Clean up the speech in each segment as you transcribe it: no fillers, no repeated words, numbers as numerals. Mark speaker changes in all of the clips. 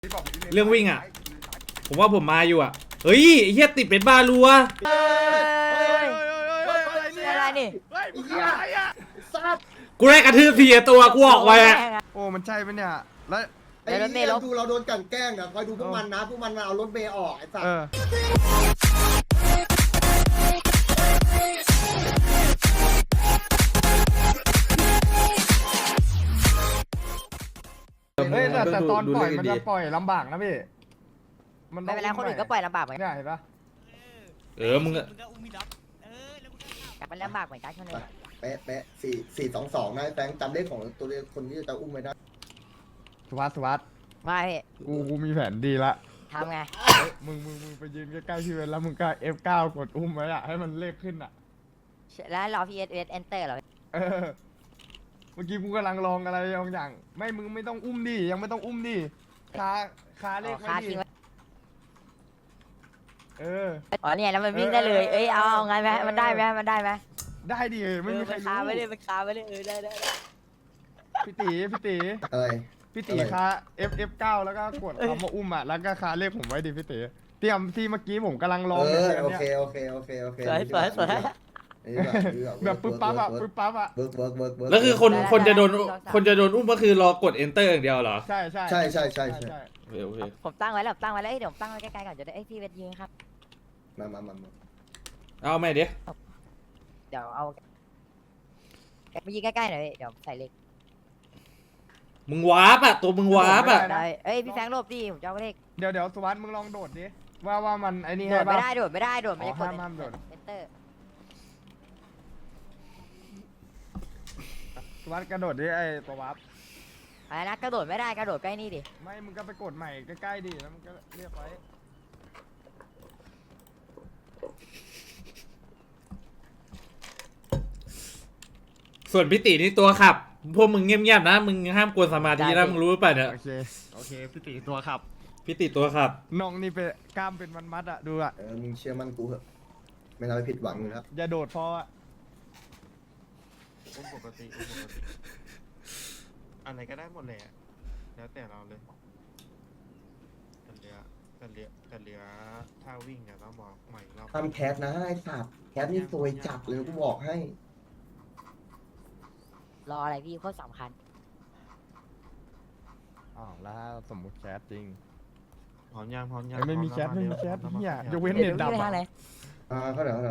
Speaker 1: เรื่องวิ่งอ่ะผมว่าผมมาอยู่อ่ะเฮ้ยเฮียติดเป็นบาลัว
Speaker 2: อะไรนี่
Speaker 1: กูได้กระทืบทีตัวกูออกไปอ่ะ
Speaker 3: โอ้มันใช่ไหมเนี่ยแล้ว
Speaker 4: ไอ้เนี่ยดูเราโดนกันแกล้งอ่ะคอยดูพวกมันนะพวกมันมาเอารถเมย์ออกไอ้สัส
Speaker 3: เฮ้ยแต่ตอนปล่อยมันจะปล่อยลำบากนะพี่มัน
Speaker 2: ไม่เป็นไรคนอื่นก็ปล่อยลำบากเหมือนกัน
Speaker 3: เนี่ยเห็นปะ
Speaker 1: มึง
Speaker 2: กลับมันลำบากเหมือนกันคนอื่น
Speaker 4: เป๊ะ4-2-2นะแฟงจำเลขของตัวเลขคนที่จะอุ้มไว้ได้
Speaker 3: สุวัสดิ์
Speaker 2: ไม่
Speaker 3: กูมีแผนดีละ
Speaker 2: ทำไง
Speaker 3: มึงไปยืนใกล้ๆพี่เวนแล้วมึงก็ F9 กดอุ้มไว้อะให้มันเลขขึ้นอะ
Speaker 2: แล้วรอ PS Enter เหรอ
Speaker 3: เออเมื่อกี้กูกำลังลองอะไรบางอย่างไม่มึงไม่ต้องอุ้มดิยังไม่ต้องอุ้มดิคาเลข
Speaker 2: คา
Speaker 3: ไว้ดิ
Speaker 2: ทิ้งไว้
Speaker 3: เออ
Speaker 2: อ๋อเนี่ยแล้วมันวิ่งได้เลยเอ้ยเอาไงไหมมันได้ไหมมันได้ไหม
Speaker 3: ได้ดิไม่มีใคร
Speaker 2: คา
Speaker 3: รู้
Speaker 2: ไว้เลยมันคาไว้เลยได้
Speaker 3: พี่ตี
Speaker 4: เอ้ย
Speaker 3: พี่ตีคา F9 แล้วก็กดคำว่าอุ้มอะแล้วก็คาเลขผมไว้ดิพี่ตีเตรียมที่เมื่อกี้ผมกำลังลอง
Speaker 4: โอเค
Speaker 2: สวย
Speaker 3: แบบปึ๊บปั๊บอะ
Speaker 4: เวิร์ก
Speaker 1: แล้วคือคนจะโดนอุ้มก็คือรอกด enter อย่างเดียวเหรอ
Speaker 3: ใช่
Speaker 1: โอเค
Speaker 2: ผมตั้งไว้แล้วตั้งไว้แล้วเดี๋ยวผมตั้งไว้ใกล้ๆก่อนจะได้พี่เวทยืนครับ
Speaker 4: มา
Speaker 1: เอาไหมเดี๋ยว
Speaker 2: เดี๋ยวเอาไปยืนใกล้ๆหน่อยเดี๋ยวใส่เล็ก
Speaker 1: มึงวาร์ปอ่ะตัวมึงวาร์ปอ่ะ
Speaker 2: ได้เอ้ยพี่แฟงโลบดิผมจะเอาเลข
Speaker 3: เดี๋ยวสุวัสดิ์มึงลองโดดดิว่ามันไอ้นี่
Speaker 2: โด
Speaker 3: ให้
Speaker 2: ดไม่
Speaker 3: ป่ะ
Speaker 2: ได้โดดไม่ได้มันจะกด
Speaker 3: ห้ามโดด
Speaker 2: Enter
Speaker 3: สุวัสดิ์กระโดดดิไอ้ตัววับ
Speaker 2: อะไรนะกระโดดไม่ได้กระโดดใกล้นี่ดิ
Speaker 3: ไม่มึงก็ไปกดใหม่ใกล้ๆดิแล้วมึงก็เรียกไว้
Speaker 1: ส่วนพี่ตินี่ตัวขับพวกมึงเงียบๆนะมึงห้ามกวนสมาธินะมึงรู้ป่ะเนี่ย
Speaker 3: โอเคพี่ตีตัวขับ
Speaker 1: พี่ติตัวขับ
Speaker 3: น้องนี่เป็นกล้ามเป็นมัดๆอะดูอะ
Speaker 4: มึงเชื่อมั่นกูเหอะไม่ทำให้ผิดหวังอยู่แล้ว
Speaker 3: อย่าโดดพออะ
Speaker 5: อุ้มปกติอะไรก็ได้หมดเลยอะแล้วแต่เราเลยแต่เหลือถ้าวิ่งอะต้องบอกใหม่เรา
Speaker 4: ทำแคสนะไอ้สัตว์แคสนี่ซวยจับเลยกูบอกให้
Speaker 2: รออะไรพี่โคตรสำคัญ
Speaker 3: อ๋อแล้วถ้าสมมติแคสจริง
Speaker 5: พร้อมยัง
Speaker 3: ไม่มีแคส
Speaker 5: พร้อ
Speaker 3: เนี่ยยกเว้น
Speaker 2: เดี๋
Speaker 3: เน็
Speaker 2: ยว
Speaker 3: ต
Speaker 2: พี่
Speaker 3: ดับ
Speaker 2: ไปทางไหน
Speaker 4: เขาเดี๋ยว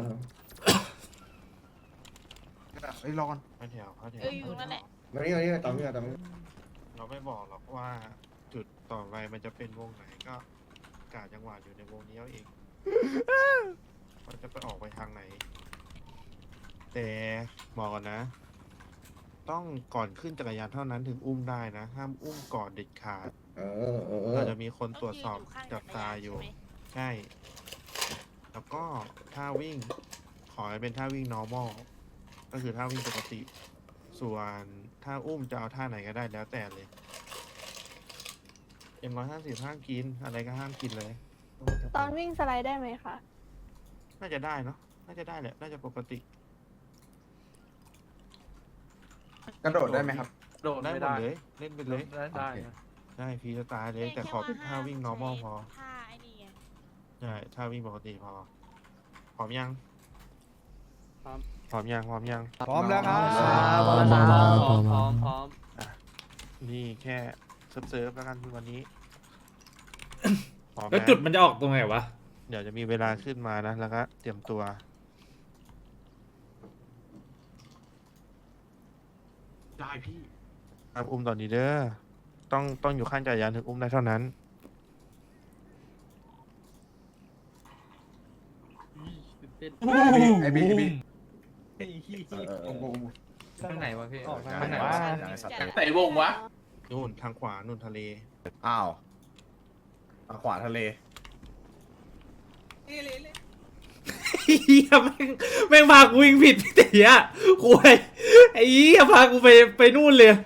Speaker 5: เอ้ยรอก่อนเข้าแถว
Speaker 6: อยู่นั่นแหละ
Speaker 4: มานี่ตามนี่
Speaker 5: เราไม่บอกหรอกว่าจุดต่อไปมันจะเป็นวงไหนก็กาจังหวะอยู่ในวงนี้เอาเองมันจะไปออกไปทางไหน แต่บอกก่อนนะ ต้องก่อนขึ้นจักรยานเท่านั้นถึงอุ้มได้นะ ห้ามอุ้มก่อนเด็ดขาด เราจะมีคนตรวจสอบจับตาอยู่ ใช่ แล้วก็ท่าวิ่ง ขอให้เป็นท่าวิ่ง normal ก็คือท่าวิ่งปกติ ส่วนท่าอุ้มจะเอาท่าไหนก็ได้แล้วแต่เลยM150ห้ามกิน อะไรก็ห้ามกินเลย
Speaker 6: ตอนวิ่งสไลด์ได้ไหมคะ
Speaker 5: น่าจะได้เนาะ น่าจะได้แหละ น่าจะปกติ
Speaker 7: กระโดดได้ไหมครับ
Speaker 5: โดดได้หมดเลย เล่นไปเลย
Speaker 7: ได้
Speaker 5: ได้ฟรีสไตล์เลย แต่ขอเป็นท่าวิ่ง normal พอ
Speaker 6: ท่าไอ้นี่ไง
Speaker 5: ใช่ท่าวิ่งปกติพอ พร้อมยัง พร้อมยัง
Speaker 3: พร้อมแล้วครับ
Speaker 7: พร้อม
Speaker 5: นี่แค่เซิร์ฟแล้วกันวันนี้ พร้อม
Speaker 1: แล้ว
Speaker 5: นะ
Speaker 1: จุดมันจะออกตรงไหนวะ
Speaker 5: เดี๋ยวจะมีเวลาขึ้นมานะ แล้วก็เตรียมตัว
Speaker 7: ได้พี่
Speaker 5: ครับอุ้มตอนนี้เด้อ ต้องอยู่ข้างจักรยานถึงอุ้มได้เท่านั้น
Speaker 7: ไอบี
Speaker 8: ทางไหนวะพี่
Speaker 3: ออกทางไหนวะ
Speaker 7: เตะวงวะ
Speaker 5: นู่นทางขวา นู่นทะเล
Speaker 7: อ้าวขวาทะเล
Speaker 1: เฮียแม่งพากูวิ่งผิดพี่ติอ่ะคุยไอ้เหี้ยพากูไปนู่นเลย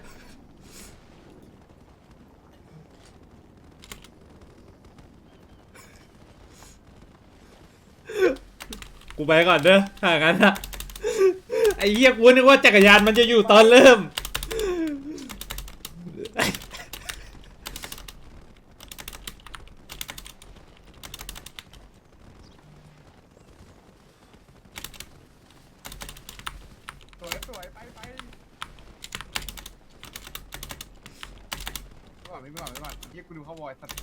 Speaker 1: กูไปก่อนเด้อถ้างั้นอะไอ้เหี้ยกูนึกว่าจักรยานมันจะอยู่ตอนเริ่ม
Speaker 3: วิ่งไปก่อนเรียกกูดูเข้าวอยสัตว์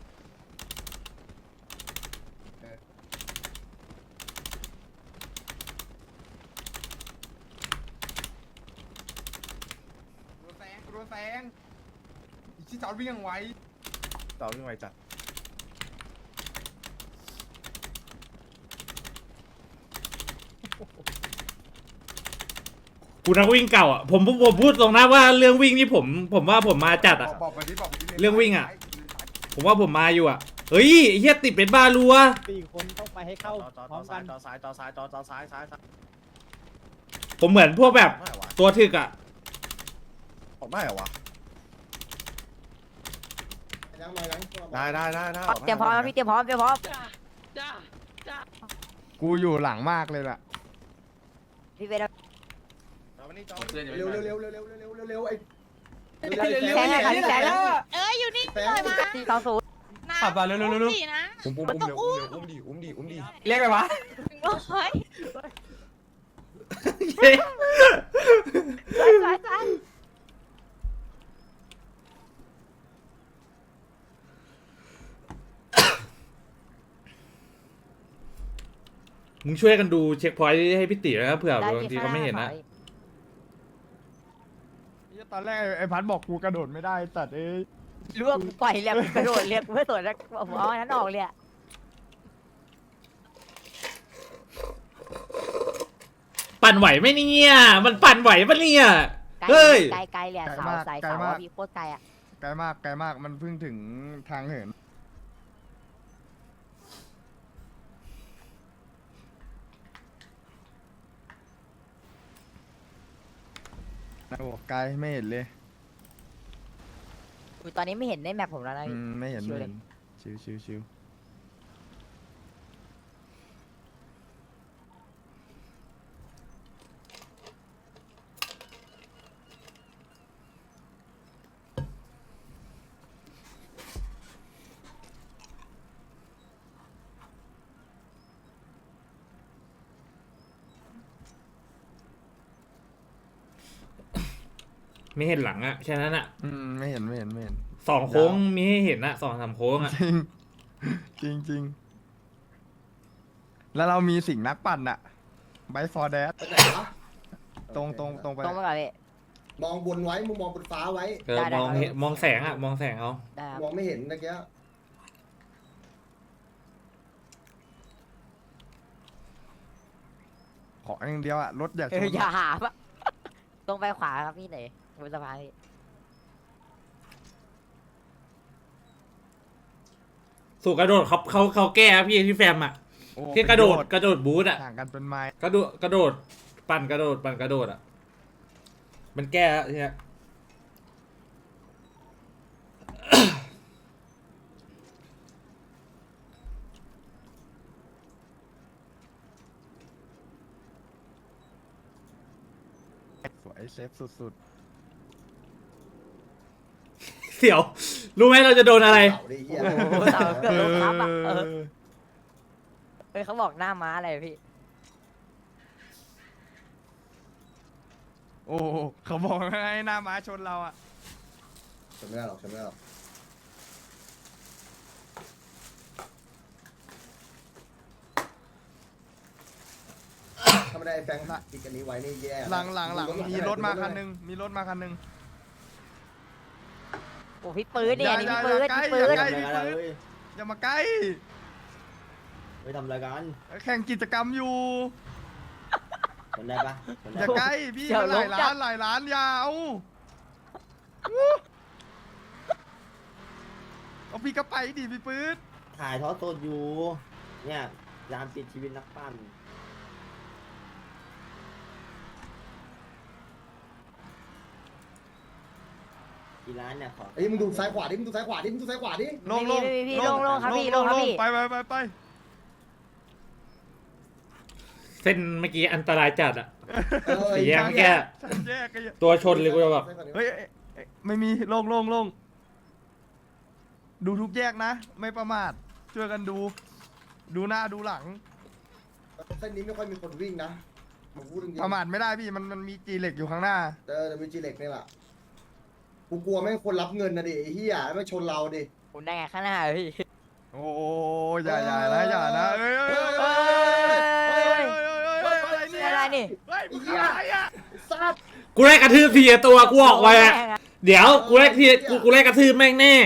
Speaker 3: โดนแซงอีกที่จอดวิ่งยังไว
Speaker 7: ต่อวิ่งไวจัด
Speaker 1: กูนักวิ่งเก่าอ่ะผมพูดตรงนะว่าเรื่องวิ่งนี่ผมว่าผมมาจัดอ่ะ
Speaker 3: บอกไปดิ
Speaker 1: เรื่องวิ่งอะ ผมว่าผมมาอยู่อ่ะเฮ้ยไอ้เฮียติดเป็นบ้ารัว
Speaker 9: 4 คนต้องไปให้เข้าพร้อมกัน
Speaker 7: ต่อซ้าย
Speaker 1: ผมเหมือนพวกแบบ
Speaker 7: ไม่เหรอวะ
Speaker 1: ตัวถึกอ่ะ
Speaker 7: ออกได้เหรอวะ
Speaker 4: ยังมายัง
Speaker 7: ได้
Speaker 2: เตรียมพร้อมนะพี่เตรียมพร้อม
Speaker 3: กูอยู่หลังมากเลยล่ะ
Speaker 2: พี่เวท
Speaker 4: เร็วไอ้
Speaker 2: แซงเลยค่ะพี่แซง
Speaker 6: เอ้ยอยู่นี่
Speaker 4: แซ
Speaker 6: หน่อย
Speaker 4: ง
Speaker 6: มา
Speaker 2: 420
Speaker 6: ขับมาเร็วๆนะ
Speaker 7: อุ้มดิ
Speaker 8: เรียกไปวะ
Speaker 6: โอ้ย
Speaker 2: ไป
Speaker 1: มึงช่วยกันดูเช็คพอยต์ให้พี่ตินะครับเผื่อ
Speaker 2: ได้
Speaker 1: บางทีเขาไม่เห็นนะ
Speaker 3: ตอนแรกไอ้พัดบอกกูกระโดดไม่ได้ตัดเอ้ย
Speaker 2: รู้ว่ากูปล่อยเรียกกระโดดเรียกเพื่อสวนแล้วผมเอาอันนั้นออกเลย
Speaker 1: ปั่นไหวไหมเนี่ยมันปั่นไหวปะเนี่ย
Speaker 2: ไกล
Speaker 1: เฮ้ย
Speaker 2: ไกลเลยเสาสายเสาพี่โคตรไกลอ่ะ
Speaker 3: ไกลมากมันเพิ่งถึงทางเหินโอ้ไกลไม่เห็นเลย
Speaker 2: ตอนนี้ไม่เห็นในแมปผมแล้วนะ
Speaker 3: ไม่เห็น
Speaker 2: ชิวเลย
Speaker 3: ชิว
Speaker 1: ไม่เห็นหลังอะแค่นั้นอะ
Speaker 3: ไม่เห็น
Speaker 1: สองโค้งมีให้เห็นอะ2-3โค้งอะ
Speaker 3: จริงแล้วเรามีสิ่งนักปั่นอะไบฟอร์แดดตรงไป
Speaker 2: ตรงไปก่อนพี่
Speaker 4: มองบนไว้มึงมองบนฟ้าไว้
Speaker 1: มองเห็นมองแสงอะมองแสงเอา
Speaker 2: ได้ครับ
Speaker 4: มองไม่เห็นตะเกีย
Speaker 3: ขออย่างเดียวอะรถอยากชน
Speaker 2: อย่าหาปะตรงไปขวาครับพี่ไหนบนสะพานพี่
Speaker 1: สู่กระโดดเขาแก้อะพี่ที่แฟมอะ
Speaker 3: โอ้
Speaker 1: ที่กระโดดบูทอะ
Speaker 3: ห่างกันเป็นไม้
Speaker 1: กระโดดปั่นกระโดดอะมันแก้อะเนี่ย
Speaker 3: สวยเซฟสุด
Speaker 1: เสี่ยว รู้ไหมเราจะโดนอะไร
Speaker 4: เสาดิเหี้ย
Speaker 2: โอ้โหเสาเกือบโดนทับอ่ะ
Speaker 3: ๆ
Speaker 2: เฮ้ยเขาบอกหน้าม้าอะไรพี่
Speaker 3: โอ้โหเขาบอกให้หน้าม้าชนเราอะ
Speaker 4: ฉันไม่ได้หรอกถ้าไม่ได้แฟงติดกันนี้ไว้นี่แย่
Speaker 3: หลังมีรถมาคันหนึง
Speaker 2: โอ้พี่ปืนเนี่ยนี่
Speaker 3: อย่า
Speaker 2: พี่ปืน
Speaker 3: อย่า
Speaker 2: พี่ปืน
Speaker 3: ใกล้ อย่ามาใกล้
Speaker 9: ไปทำอะไรกัน
Speaker 3: แข่งกิจกรรมอยู่
Speaker 9: ชนได้ปะชน
Speaker 3: อ
Speaker 9: ได้
Speaker 3: ย่าใกล้พี่มันหลายล้านอยาเอาพี่ก็ไปดิพี่ปื๊ด
Speaker 9: ถ่ายทอดสดอยู่ เนี่ยยามปิดชีวิตนักปั้นกี่ร้านเนี่ยขอ
Speaker 4: เอ้ยมึงดูซ้ายขวาดิ
Speaker 3: ลง
Speaker 2: พี่ลงครับพี่ลงครับพี่
Speaker 3: ไป
Speaker 1: เส้นเมื่อกี้อันตรายจัดอะ สี่แยก
Speaker 3: ฉัน
Speaker 1: แก้
Speaker 3: แยกกัน
Speaker 1: ตัวชนเลยกูจะแบบ
Speaker 3: เฮ้ยไม่มีลงดูทุกแยกนะ ไม่ประมาทช่วยกันดูหน้าดูหลัง
Speaker 4: เส้นนี้ไม่ค่อยมีคนวิ่งนะมึงพูดจริง
Speaker 3: ประมาทไม่ได้พี่มันมีจีเหล็กอยู่ข้างหน้า
Speaker 4: เดี๋ยวมีจีเล็กนี่แหละกูกลัวแม่งคนรับเงินนะดิไอ้เหี้ยแล้วไม่ชนเราดิ
Speaker 2: คุณได้ไงข้างหน้าพี่
Speaker 3: โอ้อย่านะอย่านะเอ้ย
Speaker 2: เฮ้ย
Speaker 3: อะไรเนี่ย
Speaker 2: อะไรนี่
Speaker 3: เฮ้ยมึงอะไรอ่ะ
Speaker 4: ซัด
Speaker 1: กูได้กระทืบทีละตัวกูออกไปอะ
Speaker 2: แม่งอะ
Speaker 1: เดี๋ยวกูได้ทีกูได้กระทืบแม่งแน่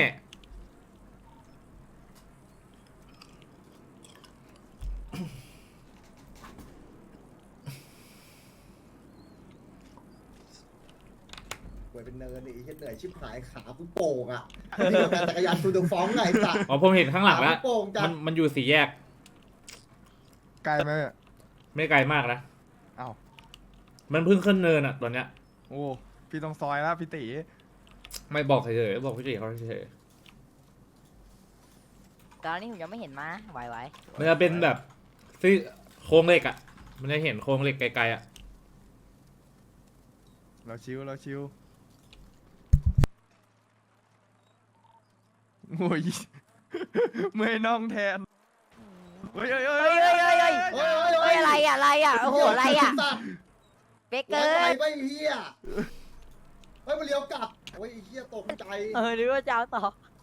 Speaker 4: ป่วยเป็นเนินดิไอ้เหี้ยเหนื่อยชิบหายขากูโป่งอ่ะนี่กับการจักรยานตูเดฟ้องไงไอ้สัตว์
Speaker 1: อ๋อผมเห็นข้างหลังแล้ว
Speaker 4: ขาโป่งจัด
Speaker 1: มันอยู่สี่แยก
Speaker 3: ไกลไหมเนี่ย
Speaker 1: ไม่ไกลมากนะ
Speaker 3: อ้าว
Speaker 1: มันเพิ่งขึ้นเนินอะตอนเนี้ย
Speaker 3: โอ้พี่ต้องซอยแล้วพี่ตี
Speaker 1: ไม่บอกเฉยๆบอกพี่เจเขาเฉย
Speaker 2: ตอนนี้ผมยังไม่เห็นมาไหว
Speaker 1: ๆมันจะเป็นแบบซี่โครงเหล็กอะมันจะเห็นโครงเหล็กไกลๆอะ
Speaker 3: เราชิวโอ้ยเมื่อยน่องแทนเฮ้ย
Speaker 2: ๆเฮ้ยเฮ้ยเฮ้ยเฮ้ยเฮ้ย
Speaker 4: เฮ้ย
Speaker 2: เฮ้ยอะไรอะอะไรอะโอ้โหอะไรอะ
Speaker 4: สัตว์
Speaker 2: เป๊กเกิ
Speaker 4: ร้อนอะไร
Speaker 2: น
Speaker 4: ไม่เหี้ยเฮ้ยมันเลี้ยวกลับโอ้ยไอ้เหี้ยตกใจ
Speaker 2: หรือว่าจะเอาต่อ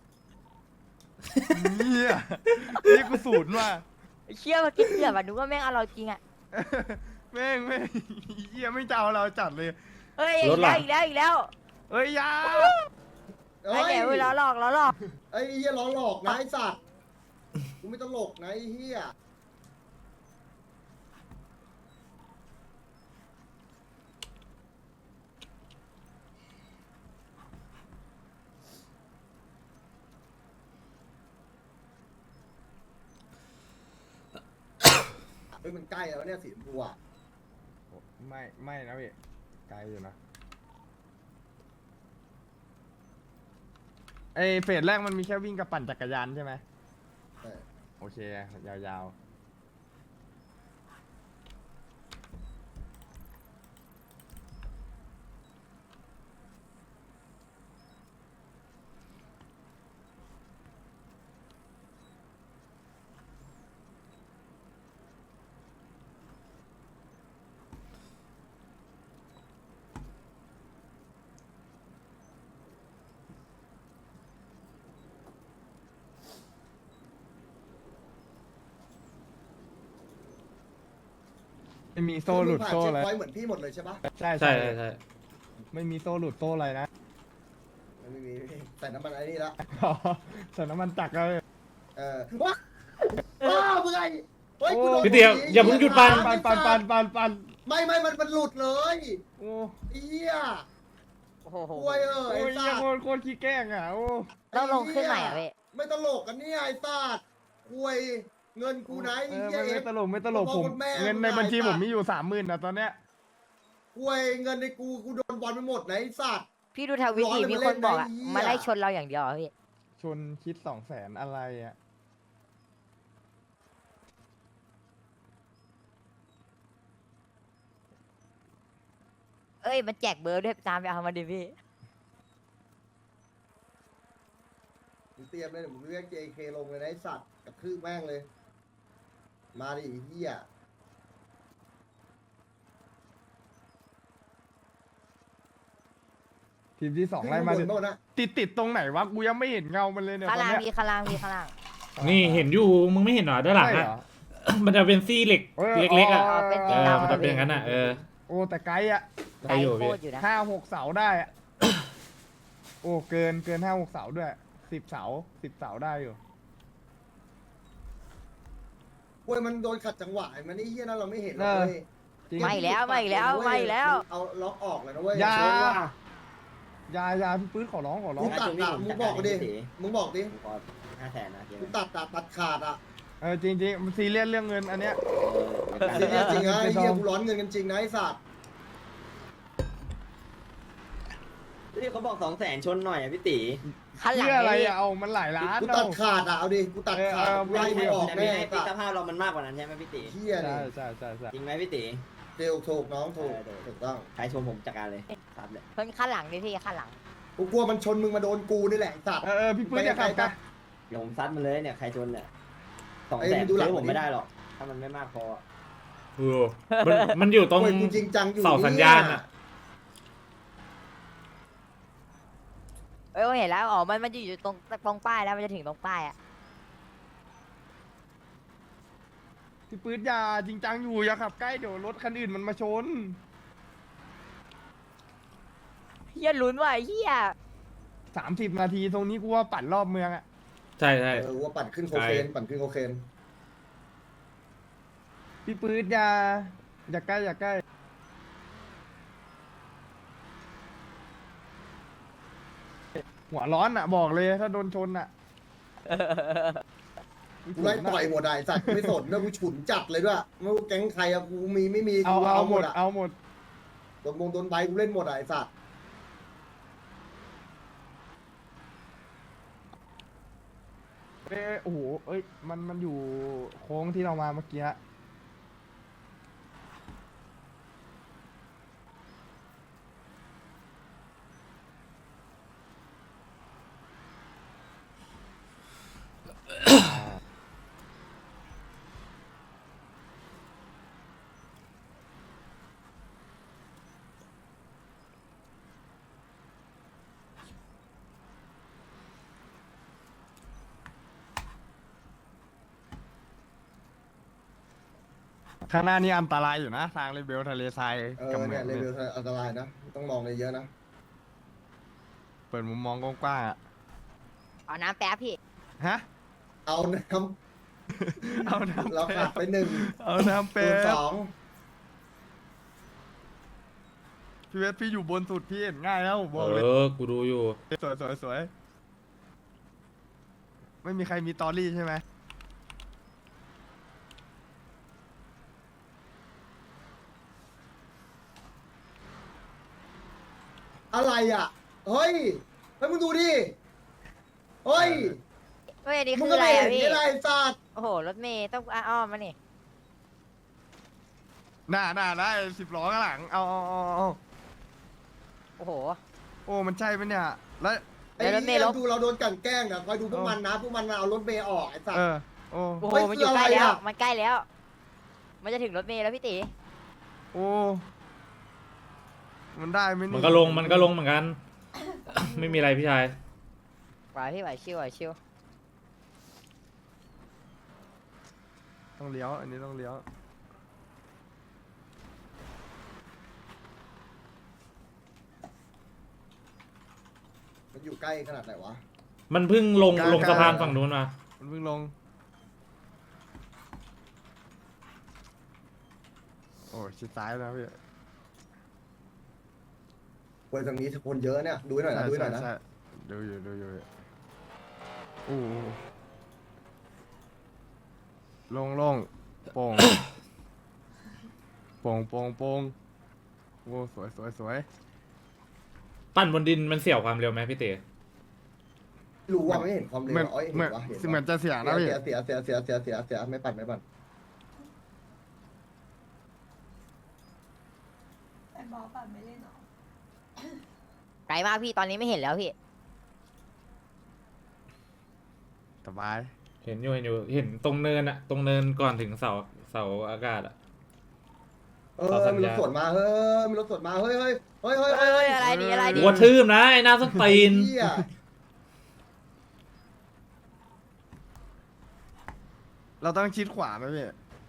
Speaker 3: เนี่ยนี่กูสูตรว่ะ
Speaker 2: เชี่ยมาคิดเกือบอะนึกว่าแม่งเอาเราจริงอะ
Speaker 3: แม่งเหี้ยไม่เจ้าเราจัดเลย
Speaker 2: เฮ้ยอีกแล้วอีกแล้วอีกแล้ว
Speaker 3: เฮ้ยยา
Speaker 2: ไอ้แหนเวลาหลอกล้อหลอก
Speaker 4: ไอ้เหี้ยล้อหลอกนะไอ้สัตว์กูไม่ตลกนะไอ้เหี้ยเฮ้ยมันใกล้แล้วเนี่ยสีชมพูอ่ะ
Speaker 3: ไม่นะพี่ไกลอยู่นะไอเฟสแรกมันมีแค่วิ่งกับปั่นจักรยานใช่ไหม
Speaker 4: เออ
Speaker 3: โอเคยาวๆไม่มีโซ่หลุดโซ่
Speaker 4: เช็ค
Speaker 3: อะไร
Speaker 4: พอยต์เหมือนพี่หมดเลยใช่ปะ
Speaker 3: ใช่
Speaker 1: ใช่ใช่
Speaker 3: ไม่มีโซ่หลุดโซ่อะไรนะ
Speaker 4: ไม่มีใส่น้ำมันไอ้นี่ละ
Speaker 3: ใส่น้ำมันจักรเลย
Speaker 4: ว้ามึงไงเฮ้ยกูโดน
Speaker 1: พี่เตียวอย่าเพิ่งหยุดปั่น
Speaker 3: ปัน
Speaker 4: ไม่มันหลุดเลย
Speaker 3: โอ้
Speaker 4: ไอ้เหี้ย
Speaker 2: โอ้โห
Speaker 4: ป่วยไอ้
Speaker 3: ย
Speaker 4: สั
Speaker 3: ยัง
Speaker 4: ตว์
Speaker 3: โคตรขี้แกล้งอ่ะโอ้
Speaker 2: ต้องลงขึ้นใหม่อะพี่
Speaker 4: ไม่ตลกกันเนี่ยไอ้สัตว์ป่วยเงินกูไหนไอ้เหี้ย
Speaker 3: ไม่ตลกผม
Speaker 4: แม่
Speaker 3: เงินในบัญชี
Speaker 4: ไอ้
Speaker 3: ผ
Speaker 4: สัต
Speaker 3: ม
Speaker 4: ว์
Speaker 3: มีอยู่30,000นะตอนเนี้ย
Speaker 4: ป่วยเงินในกูโดนบอลไปหมดไหนไอ้สัตว์
Speaker 2: พี่ดูทวิตดิมีคนบอกอะมาไล่ชนเราอย่างเดียวอะพี่
Speaker 3: ชนคิด200,000อะไรอ่ะ
Speaker 2: เอ้ยมันแจกเบอร์ด้วยตามไปเอามาดิพี่
Speaker 4: มึงเตรียมเลยเดี๋ยวมึงเรียก JK ลงเลยนะไอ้สัตว์กับคืบแม่งเลย มาดิไอ้เหี้ย
Speaker 3: ทีมที่2ไล่มา
Speaker 4: ขึ้นข้งบนโน่นนะ
Speaker 3: ติดตรงไหนวะกูยังไม่เห็นเงามันเลยเนี่ย
Speaker 2: ข้าง
Speaker 3: ตอน
Speaker 2: ล่าง
Speaker 3: เนี้ย
Speaker 2: พี่ข้างล่างพี่ข้างล่าง
Speaker 1: นี่เห็นอยู่มึงไม่เห็นเหรอด้านหลัง
Speaker 3: ใช่
Speaker 1: อะ
Speaker 3: เหรอ
Speaker 1: มันจะเป็นซี่เหล็ก เล็กๆอะ
Speaker 2: เป็น
Speaker 1: เอ
Speaker 2: สี
Speaker 1: อ
Speaker 2: ดำ
Speaker 1: มันจะเป็นอย่างนั้นอะเออ
Speaker 3: โอ้แต่ไกลอ่ะ
Speaker 1: ได้อยู่
Speaker 2: โค
Speaker 1: พี่
Speaker 2: ตรอยู่นะ
Speaker 3: 5-6 เสาได้อะ โอ้เกิน5-6 เสาด้วย10 เสาได้อยู่
Speaker 4: ป่วยมันโดนขัดจังหวะมันไอ้เหี้ยนั่นเราไม่เห็นหรอก
Speaker 3: เออ
Speaker 4: เว้ย
Speaker 3: จริง
Speaker 2: ไม่แล้วไม่แล้วไม่แล้ว
Speaker 4: เอาล็อกออกเลยนะเว้ย
Speaker 3: อย่า
Speaker 9: ชนว่ะ
Speaker 3: ยาพี่ปื้ดขอร้อง
Speaker 4: กูตัดอะมึงบอกดิ มึงบอกดิ
Speaker 9: ผมขอ500,000นะเจ๊
Speaker 4: กูตัดขาดอะ
Speaker 3: จริงมันซีเรียสเรื่องเงินอันเนี้ย
Speaker 4: จริงจริงนะไอ้เหี้ย
Speaker 3: ไม่ต้อง
Speaker 4: กูร้อนเงินกันจริงนะไอ้สัตว์
Speaker 9: ที่เขาบอก200,000ชนหน่อยอ่ะพี่ตี
Speaker 2: ข้างหลัง
Speaker 3: เพื่ออะไร
Speaker 2: เลย
Speaker 3: อะเอามันหลายล้าน
Speaker 4: กู
Speaker 3: เอา
Speaker 4: ตัดขาดอะเอาดิ กูตัดขาด
Speaker 3: ไม่
Speaker 4: ไล่ไม่ออก
Speaker 9: แต่
Speaker 4: แน่
Speaker 9: ไม่ให้
Speaker 4: ไอ้
Speaker 9: พี่
Speaker 4: สัต
Speaker 9: ส
Speaker 4: ว์
Speaker 9: ภาพเรามันมากกว่านั้นใช่ไหมพี่ตี
Speaker 4: เหี้ย
Speaker 3: ใช่
Speaker 4: นี่
Speaker 3: ใช่
Speaker 9: จริงไหมพี่ตี
Speaker 4: เดวถูกน้องถูกถูกต้อง
Speaker 9: ใครชมผมจัดการเลยซัดเลย
Speaker 2: เพิ่งข้างหลังดิพี่ข้างหลัง
Speaker 4: กูกลัวมันชนมึงมาโดนกูนี่แหละไอ้สัตว์
Speaker 3: พี่ปื้ดอย่าขับกัน
Speaker 9: เดี๋ยวผมซัดมันเลยเนี่ยใครชนเนี่ย
Speaker 4: เอ้ย
Speaker 9: 200,000
Speaker 4: มึงดูหลัง
Speaker 9: ซื้อผม
Speaker 4: ดิ
Speaker 9: ไม่ได้หรอก ถ้ามันไม่มากพอ
Speaker 1: เออมันอยู่ตรง
Speaker 4: โอ้ยกูจริงจังอยู่
Speaker 1: เสาสัญญาณ
Speaker 4: เนี่
Speaker 1: อะ
Speaker 4: ย
Speaker 2: เอ้ยเห็นแล้วอ๋อมันอยู่ตรงป้ายแล้วมันจะถึงตรงป้ายอ่ะ
Speaker 3: พี่ปื๊ดอย่าจริงจังอยู่อย่าขับใกล้เดี๋ยวรถคันอื่นมันมาชน
Speaker 2: เฮียลุ้นว่ะเฮีย
Speaker 3: 30 นาทีตรงนี้กูว่าปั่นรอบเมืองอะ
Speaker 1: ใช่ใช่
Speaker 4: ว่าปั่นขึ้นโคเคนปั่นขึ้นโคเคน
Speaker 3: พี่ปื๊ดอย่าใกล้อย่าใกล้หัวร้อนอะบอกเลยถ้าโดนชนอะ
Speaker 4: กูไล่ต่อยหมดอะไอ้สัตว์ไม่สนนะกูฉุนจัดเลยด้วยไม่ว่าแก๊งใครอะกูมีไม่มี
Speaker 3: เอา
Speaker 4: กู
Speaker 3: เอา
Speaker 4: เอา
Speaker 3: ห
Speaker 4: ห
Speaker 3: ม
Speaker 4: ม
Speaker 3: ด
Speaker 4: ดอะ
Speaker 3: เอาหมด
Speaker 4: โดนใบกูเล่นหมดอะไอ้สัตว์
Speaker 3: โอ้โหเอ้ยมันอยู่โค้งที่เรามาเมื่อกี้ ข้างหน้านี่อันตรายอยู่นะทางเรเบลทะเลทรายกับเหมื
Speaker 4: เนี่
Speaker 3: อย ง
Speaker 4: เล
Speaker 3: เนี่ย
Speaker 4: เวลอันตรายนะต้องมองเลยเยอะนะ
Speaker 3: เปิดมุมมองกว้างๆอ่ะ
Speaker 2: เอาน้ำแป๊บพี่
Speaker 3: ฮะ
Speaker 4: เอาน้
Speaker 3: เอาน้ำ
Speaker 4: ำเรา
Speaker 3: แป๊
Speaker 4: ขาด
Speaker 3: บ
Speaker 4: ไปหนึ่ง
Speaker 3: เอาน้ำ
Speaker 4: คู
Speaker 3: เป๊
Speaker 4: ณส
Speaker 3: บ
Speaker 4: อง
Speaker 3: พี่เวสพี่อยู่บนสุดพี่เห็นง่ายแล้วบอกเลย
Speaker 1: กูดูอยู่
Speaker 3: สวยสวยสวยไม่มีใครมีตอรี่ใช่ไหม
Speaker 4: อะไรอ่ะเฮ้ยมึงดูดิเฮ้ย
Speaker 2: เฮ้ยอันนี้
Speaker 4: มึ
Speaker 2: คื
Speaker 4: ง
Speaker 2: อ
Speaker 4: ก็
Speaker 2: อะไร
Speaker 4: ไม่เห็
Speaker 2: อ่ะ
Speaker 4: น
Speaker 2: พี่
Speaker 4: นี่อะไรสัตว์
Speaker 2: โอ้โหรถเมย์ต้องอ้อมมานี่
Speaker 3: น่าได้10 ล้อข้างหลังเอา
Speaker 2: โอ้โห
Speaker 3: โอ้มันใช่ไหมเนี่ยแล้ว
Speaker 4: ไอ้
Speaker 2: แล้วรถเม
Speaker 4: เหี้
Speaker 2: ล์
Speaker 4: ย
Speaker 2: ลบ
Speaker 4: ดูเราโดนกลั่นแกล้งอ่ะคอยดูพวกมันนะพวกมันมาเอารถเมย์ออกไอ้สัต
Speaker 3: เอ
Speaker 4: ว์
Speaker 3: อโอ้
Speaker 2: โอ้โห
Speaker 4: เฮ้ย
Speaker 2: มันอยู่ใกล้
Speaker 4: คืออะไร
Speaker 2: แล้ว
Speaker 4: อะ
Speaker 2: มันใกล้แล้ว มันจะถึงรถเมล์แล้วพี่ตี
Speaker 3: โอ้มันได้ไหม
Speaker 1: มัน
Speaker 3: นี่
Speaker 1: ก็ลงเหมือนกัน ไม่มีอะไรพี่ชาย
Speaker 2: ไหวพี่ไหวชิวไหวชิว
Speaker 3: ต้องเลี้ยวอันนี้ต้องเลี้ยว
Speaker 4: มันอยู่ใกล้ขนาดไหนวะ
Speaker 1: มันเพิ่งลงสะพานฝั่งนู้นมา
Speaker 3: มันเพิ่งลงโอ้ชิดซ้ายนะพี่
Speaker 4: เว้ยทางนี้คนเยอะเนี่ยดูให้หน่อยนะดูให้หน่อยนะ
Speaker 3: ใช่ดูอยู่โอ้ลงโป่ง โป่งโอ้สวย
Speaker 1: ปั้นบนดินมันเสี่ยวความเร็วไหมพี่เต๋
Speaker 4: รู้ว่าไม่เห็นความเร็ว
Speaker 3: เหมือน
Speaker 4: เอ้ย
Speaker 3: เหมือน
Speaker 4: เห็นวะ
Speaker 3: เหมือนจะเสียนะพี่
Speaker 4: เสียไม่ปั่น
Speaker 6: ไอ้บอสปั่นไม่เล่นหรอ
Speaker 2: ไกลมากพี่ตอนนี้ไม่เห็นแล้วพี่
Speaker 3: สบาย
Speaker 1: เห็นตรงเนินอะตรงเนินก่อนถึงเสาอากาศอะ ต่อสัญ
Speaker 4: มีร
Speaker 1: ญา
Speaker 4: ถสวนมามีรถสวนมาเฮ้ย
Speaker 2: เฮ้ยอะไรดีอะไรดี
Speaker 1: หัวทืมนะไอ้หน้าส้นตีน
Speaker 4: เหี้ย
Speaker 3: เราต้องชิดขวาไหมพี่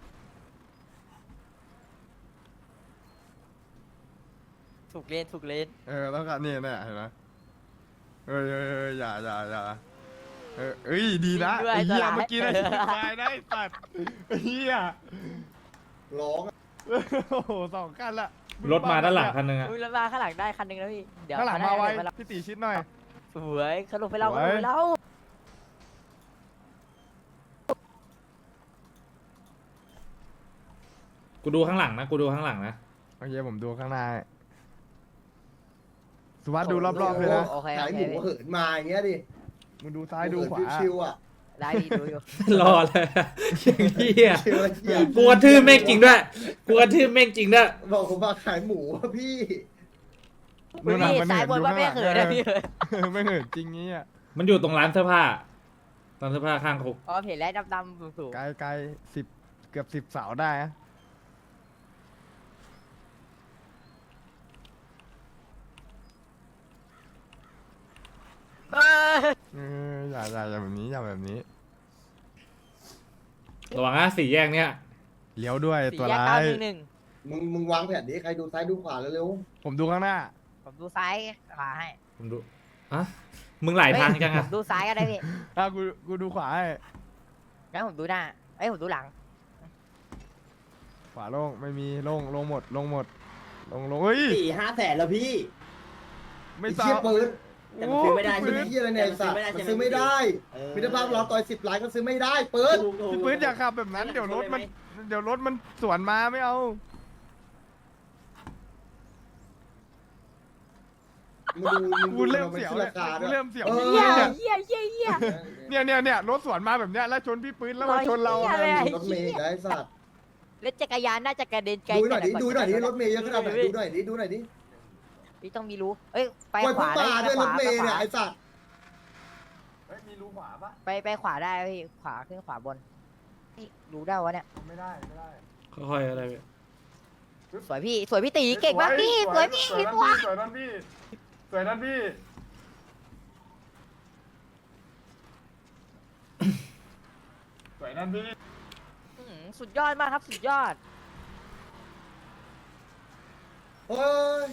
Speaker 2: ถูกเลน
Speaker 3: ต้องการเนี่ยเห็นไหมเอ้ยอย่าเอ้ยดีนะไอ้เหี้ยเมื่อกี้ได้ชิดซ้ายได้ตัดไอ้เหี้ย
Speaker 4: ร้องอะ
Speaker 3: โอ้โห2 คันละ
Speaker 1: รถมาด้านหลังคันนึงอะ
Speaker 2: อุ้ยรถมาข้างหลังได้คันหนึงแล้วพี่เดี๋ยว
Speaker 3: ข้างหลังมาไว้
Speaker 2: เขน่จะ
Speaker 3: พี่ตีชิดหน่อย
Speaker 2: สวยเขาลงไปเล่า
Speaker 3: สวย
Speaker 2: เขาลงไปเล่า
Speaker 1: กูดูข้างหลังนะ
Speaker 3: โอเคผมดูข้างหน้าสุวัสดิ์ดูรอบๆเลยนะ
Speaker 2: โอเค
Speaker 4: ขายหมู
Speaker 2: พี่
Speaker 4: เหินมาอย่างเงี้ยดิ
Speaker 3: มึงดูซ้ายดูขวา
Speaker 4: ชิวๆอ่ะ
Speaker 2: ได้พี่ดูอยู่
Speaker 1: รอเลยอย่างเหี้ย
Speaker 4: ชิวๆเหี้ย
Speaker 1: กูกระทืบแม่งจริงด้วยด้วย
Speaker 4: บอกผมมาขายหมูอะพี่
Speaker 3: นู่นน่ะ
Speaker 2: พี่
Speaker 3: มัน
Speaker 2: ซ้ายบนว่าไม่เขินนะพี่
Speaker 3: ไม่เหินจริงงี้อ่ะ
Speaker 1: มันอยู่ตรงร้านเสื้อผ้าข้างคุก
Speaker 2: อ๋อเห็นแล้วดำๆสูง
Speaker 3: ไกล10 เกือบ10 เสาได้นะอย่าแบบนี้อย่าแบบนี้
Speaker 1: ระวังนะสี่แยกเนี้ย
Speaker 3: เลี้ยวด้วย
Speaker 2: สี่
Speaker 3: ตัว
Speaker 2: แยก
Speaker 3: ร้า
Speaker 2: เก้าย หนึ่ง
Speaker 4: มึงวางแผนนี้ใครดูซ้ายดูขวาเร็ว
Speaker 3: ผมดูข้างหน้า
Speaker 2: ผมดูซ้ายขวาให้
Speaker 1: ผมดูอะมึงหลายทางจัง
Speaker 2: ผ
Speaker 1: อะ
Speaker 2: มดูซ้ายก็ได้พี่
Speaker 3: กูดูขวาให้
Speaker 2: งั้นผมดูหน้าผมดูหลัง
Speaker 3: ขวาโล่งไม่มีโล่งหมดลงเฮ้ย
Speaker 9: 4-5 แสนแล้วพี่
Speaker 4: ๆ
Speaker 3: ไม่
Speaker 4: ไอ้
Speaker 3: ต้อ
Speaker 4: เชี่ย
Speaker 3: ง
Speaker 4: ปืน
Speaker 9: แต่มันซื้อไม่ได้
Speaker 4: ปื
Speaker 9: ใช่
Speaker 4: น
Speaker 9: ไหม
Speaker 4: เหี้ยอะไรเนี่ยไอ้สัตว์มันซื้อไม่ได้
Speaker 9: เออ
Speaker 4: มิตรภาพเราต่อย10 ล้านก็ซื้อไม่ได้ปืน
Speaker 9: ถูก
Speaker 3: พี่ปืนอย่าขับแบบนั้นเดี๋ยวรถมันสวนมาไม่เอา
Speaker 4: มึงดู
Speaker 3: กูเริ่ม
Speaker 4: มัน
Speaker 3: เสียว
Speaker 4: ขึ้น
Speaker 3: เลย
Speaker 4: ราคาด้
Speaker 3: กู
Speaker 4: วย
Speaker 3: เริ่มเสียว
Speaker 4: เออ
Speaker 3: พี่
Speaker 2: เหี้ย
Speaker 3: ปืนเนี่ยรถสวนมาแบบเนี้ยแล้วชนพี่ปืนแล้วมาชนเรา
Speaker 2: เหี้ยเลย
Speaker 4: รถเมย์ได้สัตว์
Speaker 2: รถจักรยานน่าจะกระเด็นไกล
Speaker 4: ดูหน่อยดิ
Speaker 2: แต่
Speaker 4: ดูหน่อยดิ
Speaker 2: ก่
Speaker 4: รถเมย์เยอะขนาดไหนดูหน่อยดิดูหน่อยดิ
Speaker 2: พี่ต้องมีรู้เอ้ยไป
Speaker 4: ปล่อย
Speaker 2: ข
Speaker 4: พุ่ง
Speaker 2: วา
Speaker 4: ป่า
Speaker 2: ได้
Speaker 4: ด้วย
Speaker 2: ไป
Speaker 4: ร
Speaker 2: ข
Speaker 4: ถ
Speaker 2: วา
Speaker 4: เมย์เนี่ยไอ้สัตว์
Speaker 3: มีรูขวาปะ
Speaker 2: ไปขวาได้พี่ขวาขึ้นขวาบนนี่รู้ได้วะเนี่ย
Speaker 3: ไม่ได้
Speaker 1: ค่อยๆอะไรพี่
Speaker 2: สวยพี่ตีเก่งมากพี่สวยพี่
Speaker 3: สวยนั่นพี่สวยนั่นพี่
Speaker 2: สุดยอดมากครับสุดยอด
Speaker 4: เฮ้ย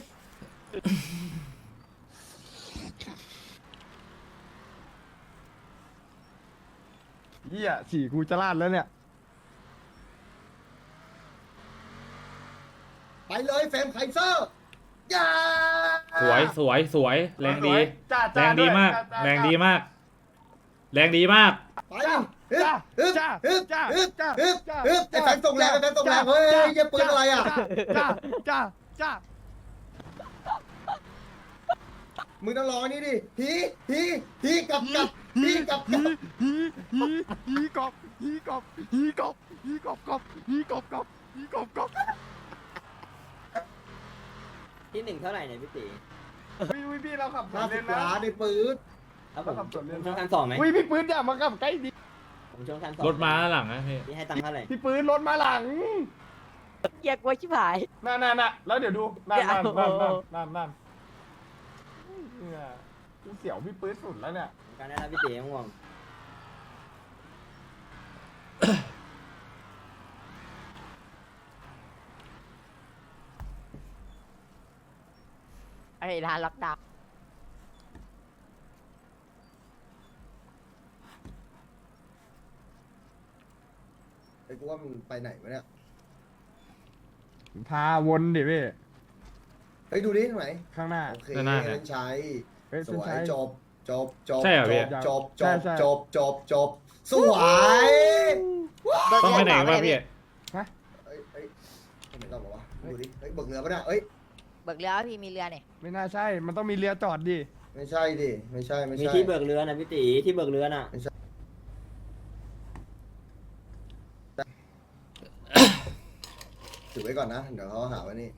Speaker 3: เหี้ยสี่กูจะลาดแล้วเนี่ย
Speaker 4: ไปเลยเฟรมไคเซอร์อย่า
Speaker 1: สวยแรงดี
Speaker 3: จ้า
Speaker 1: แรงดีมาก แรงดีมาก แรงดีมาก
Speaker 4: ไปฮึบฮึบฮึบฮึบฮึบฮึบไอ้แฟนส่งแรงไอ้แฟนส่งแรงเฮ้ยเยี่ยปืนอะไรอ่ะ
Speaker 3: จ้า
Speaker 4: มึงต้องรอนี่ดิฮีกับฮีกับ
Speaker 3: ฮีกบ
Speaker 9: ที่หนึ่งเท่าไหร่เนี่ยพี่ตี
Speaker 3: พี่เราขับสวนเลน
Speaker 4: 50 ล้านในปืน
Speaker 9: แล้วผม
Speaker 3: ขับสวนเลน
Speaker 9: ชงคัน2ไหม
Speaker 3: พี่ปืนอย่ามาขับใกล้ดิ
Speaker 9: ผมชงคัน2
Speaker 1: รถมาหลังนะพี่
Speaker 9: พี่ให้ตังค์เท่าไหร่
Speaker 3: พี่ปืนรถมาหลัง
Speaker 2: เกียกลัวชิบหาย
Speaker 3: นั่นแล้วเดี๋ยวดูนั่นเนี่ยกูเสียวพี่ปืนสุดแล้วเนี่ย
Speaker 9: การได้แล้วพี่ตีง่วง
Speaker 2: ไอ้ร้านล็อกดาวน์
Speaker 4: ไอ้กูว่ามันไปไหนวะเนี่ย
Speaker 3: พาวนดิพี่
Speaker 4: เฮ้ยดูดิตรงไหน
Speaker 3: ข้างหน้า
Speaker 4: โอเค
Speaker 1: ด้านหน้า
Speaker 4: เล่นชัย
Speaker 3: เฮ้ย
Speaker 4: สวย
Speaker 3: เส้นชัย
Speaker 4: จบจบ
Speaker 1: ใช่เหรอพี่
Speaker 4: จบสวย
Speaker 1: ต้องไปไหนวะพี่
Speaker 4: เอ้ยไม่ต้องหรอวะดูดิเฮ้ยเบิกเรือปะเนี่ยเอ้ย
Speaker 2: เบิกเรือพี่มีเรือเนี่ย
Speaker 3: ไม่น่าใช่ มันต้องมีเรือจอดดิ
Speaker 4: ไม่ใช่ดิไม่ใช่
Speaker 9: มีที่เบิกเรือนะพี่ตีที่เบิกเรือน่ะ
Speaker 4: ถือไว้ก่อนนะเดี๋ยวเขาหาว่านี่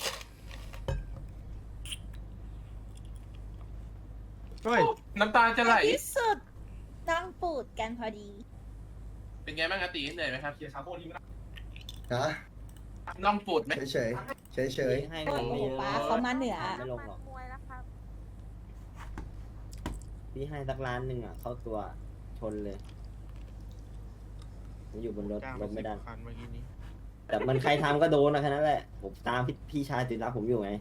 Speaker 3: เฮ้ย
Speaker 8: น้ำตาจะไหล
Speaker 6: ที่สุดนั่งปูดกันพอดี
Speaker 8: เป็นไงบ้างอาตีเหนื่อยไหมครับเคลียร์คาร์โบนี่
Speaker 4: ฮะ
Speaker 8: น้องปูดไหม
Speaker 4: เฉย
Speaker 9: ให้
Speaker 6: โอ้
Speaker 9: เงิน
Speaker 6: โห
Speaker 9: ไม่เยอะ
Speaker 6: ป้าเขามาเหนือ
Speaker 9: ไม่ลงหรอกพี่ให้สักล้านหนึ่งอ่ะเข้าตัวชนเลยผมอยู่บนรถ
Speaker 5: จ้าง
Speaker 9: รถไม่ได้
Speaker 5: 10 คันเมื่อกี้นี้
Speaker 9: แต่มันใครทำก็โดนนะแค่นั้นแหละผมตามพี่ชายติดรับผมอยู่ไง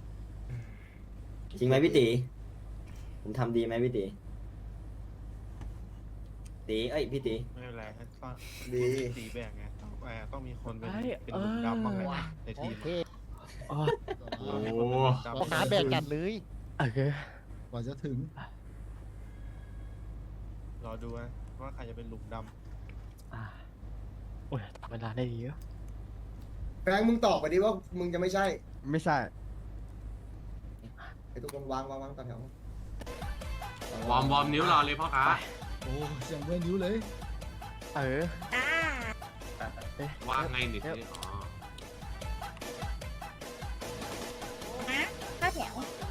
Speaker 9: จริงไหมพี่ตีผมทำดีไหมพี่ตีตีเอ้ยพี่ตี
Speaker 5: ไม่เป็นไรต้อง
Speaker 4: ดี
Speaker 5: ตีแบ่งไงต้องมีคนเป็นหลุมดำบ้างแหละในทีม
Speaker 1: โอ้
Speaker 5: หาแบ่งกัน
Speaker 3: โอเค
Speaker 4: กว่าจะถึง
Speaker 5: รอดูว่าใครจะเป็นหลุมด
Speaker 8: โอ้ยเวลาได้ดีเยอะ
Speaker 4: แฟงมึงตอบไปดิว่ามึงจะไม่ใช่
Speaker 3: ไม่ใช่
Speaker 4: ไอ้ทุกคนวางต่อแถว
Speaker 8: วอร์มนิ้วรอเลยพ่อค้า
Speaker 4: โอ้เสียงเว้นนิ้วเลย
Speaker 3: เออ
Speaker 6: อ่า
Speaker 8: ว่างไงนิดนึงอ๋อ
Speaker 6: นะข้าวแถว